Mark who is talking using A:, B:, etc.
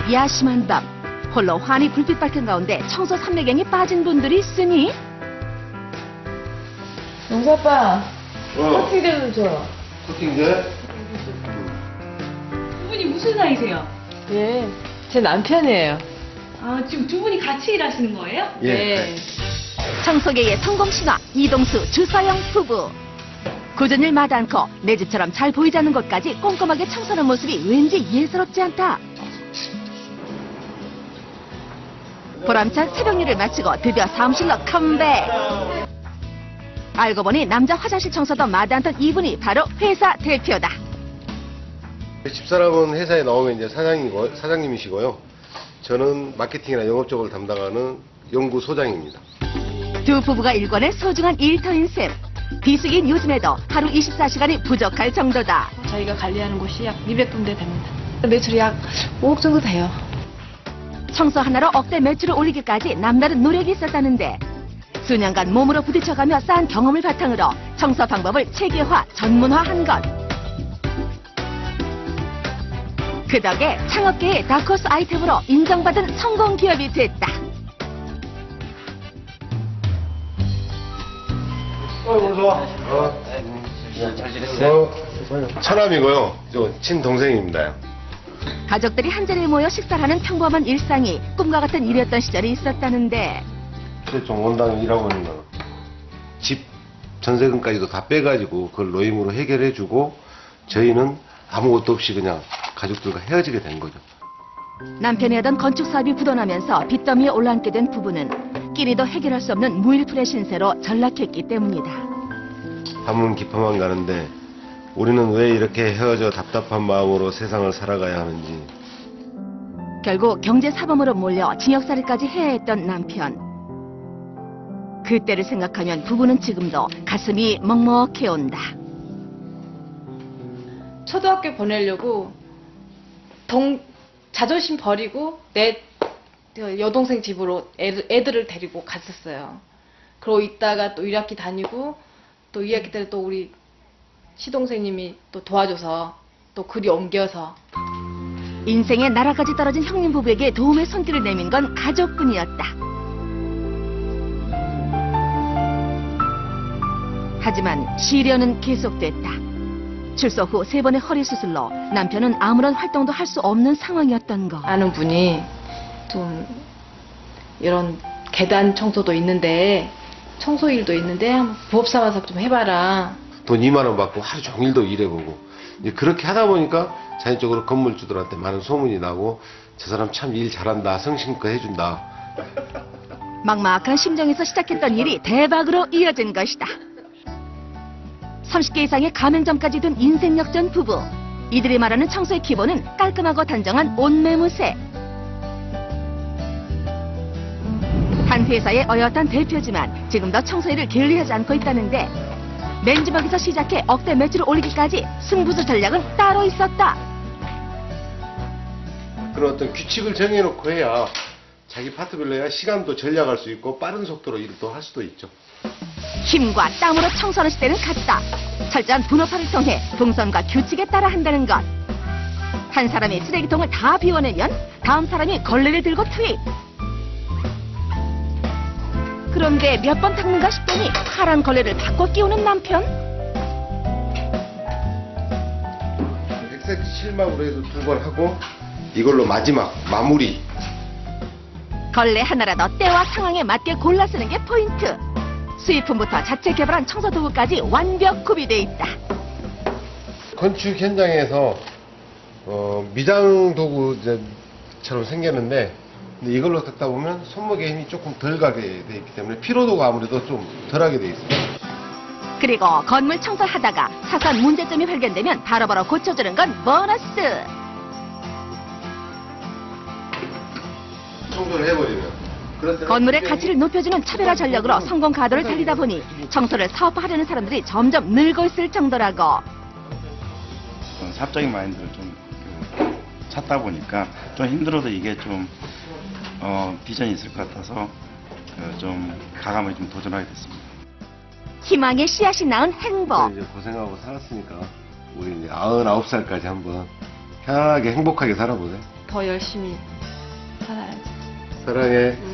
A: 야심한 밤, 홀로 환히 불빛 밝힌 가운데 청소 삼매경에 빠진 분들이 있으니
B: 영수 아빠, 커팅제 좀 줘.
C: 커팅제?
D: 두 분이 무슨 사이세요?
B: 예, 제 남편이에요.
D: 아, 지금 두 분이 같이 일하시는 거예요?
C: 예.
B: 네.
A: 청소계의 성공 신화 이동수 주서영 부부. 굳은 일 마다 않고 내 집처럼 잘 보이지 않는 곳까지 꼼꼼하게 청소하는 모습이 왠지 예사롭지 않다. 보람찬 새벽 일을 마치고 드디어 사무실로 컴백. 알고 보니 남자 화장실 청소도 마다 않던 이분이 바로 회사 대표다.
C: 집사람은 회사에 나오면 이제 사장님이시고요. 저는 마케팅이나 영업 쪽을 담당하는 연구소장입니다.
A: 두 부부가 일권의 소중한 일터인 셈. 비수기인 요즘에도 하루 24시간이 부족할 정도다.
B: 저희가 관리하는 곳이 약 200군데 됩니다. 매출이 약 5억 정도 돼요.
A: 청소 하나로 억대 매출을 올리기까지 남다른 노력이 있었다는데 수년간 몸으로 부딪혀가며 쌓은 경험을 바탕으로 청소 방법을 체계화, 전문화한 것. 그 덕에 창업계의 다크호스 아이템으로 인정받은 성공 기업이 됐다.
C: 오늘 좋아.
E: 잘 지냈어요?
C: 처남이고요. 저 친동생입니다.
A: 가족들이 한자리에 모여 식사를 하는 평범한 일상이 꿈과 같은 일이었던 시절이 있었다는데
C: 좀 원당 일하고 있는 거. 집 전세금까지도 다 빼가지고 그걸 노임으로 해결해주고 저희는 아무것도 없이 그냥 가족들과 헤어지게 된 거죠.
A: 남편이 하던 건축 사업이 부도나면서 빚더미에 올라앉게 된 부부는 끼리도 해결할 수 없는 무일푼의 신세로 전락했기 때문이다.
C: 밤은 깊어만 가는데 우리는 왜 이렇게 헤어져 답답한 마음으로 세상을 살아가야 하는지.
A: 결국 경제사범으로 몰려 징역살이까지 해야 했던 남편. 그때를 생각하면 부부는 지금도 가슴이 먹먹해온다.
B: 초등학교 보내려고 자존심 버리고 내 여동생 집으로 애들을 데리고 갔었어요. 그러고 있다가 또 1학기 다니고 또 2학기 때 또 우리 시동생님이 또 도와줘서 또 그리 옮겨서
A: 인생의 나라까지 떨어진 형님 부부에게 도움의 손길을 내민 건 가족뿐이었다. 하지만 시련은 계속됐다. 출소 후 3번의 허리 수술로 남편은 아무런 활동도 할 수 없는 상황이었던 것.
B: 아는 분이 좀 이런 계단 청소도 있는데 청소 일도 있는데 한번 부업 삼아서 좀 해봐라.
C: 돈 2만 원 받고 하루 종일도 일해보고 이제 그렇게 하다 보니까 자연적으로 건물주들한테 많은 소문이 나고 저 사람 참 일 잘한다, 성심껏 해준다.
A: 막막한 심정에서 시작했던 일이 대박으로 이어진 것이다. 30개 이상의 가맹점까지 둔 인생 역전 부부. 이들이 말하는 청소의 기본은 깔끔하고 단정한 옷매무새. 한 회사의 어엿한 대표지만 지금도 청소일을 게을리하지 않고 있다는데 맨주먹에서 시작해 억대 매출을 올리기까지 승부수 전략은 따로 있었다.
C: 그런 어떤 규칙을 정해놓고 해야 자기 파트별로 해야 시간도 전략할 수 있고 빠른 속도로 일을 또 할 수도 있죠.
A: 힘과 땀으로 청소하는 시대는 갔다. 철저한 분업화를 통해 동선과 규칙에 따라 한다는 것. 한 사람이 쓰레기통을 다 비워내면 다음 사람이 걸레를 들고 투입. 그런데 몇 번 닦는가 싶더니 파란 걸레를 바꿔 끼우는 남편.
C: 백색 실막으로 해서 2번 하고 이걸로 마지막 마무리.
A: 걸레 하나라도 때와 상황에 맞게 골라 쓰는 게 포인트. 수입품부터 자체 개발한 청소 도구까지 완벽 구비돼 있다.
C: 건축 현장에서 미장 도구처럼 생겼는데 근데 이걸로 닦다 보면 손목에 힘이 조금 덜 가게 돼 있기 때문에 피로도가 아무래도 좀 덜하게 돼 있습니다.
A: 그리고 건물 청소하다가 사소한 문제점이 발견되면 바로바로 고쳐주는 건 보너스.
C: 청소를 해버리면. 그럴 때는
A: 건물의
C: 굉장히
A: 가치를 높여주는 차별화 전략으로 성공 가도를 달리다 보니 청소를 사업화하려는 사람들이 점점 늘고 있을 정도라고.
E: 사업적인 마인드를 좀 찾다 보니까 좀 힘들어도 이게 좀 비전이 있을 것 같아서 좀 과감하게 좀 도전하게 됐습니다.
A: 희망의 씨앗이 낳은 행복.
C: 이제 고생하고 살았으니까 우리 이제 99살까지 한번 편하게 행복하게 살아보세요.
B: 더 열심히
C: 사랑해.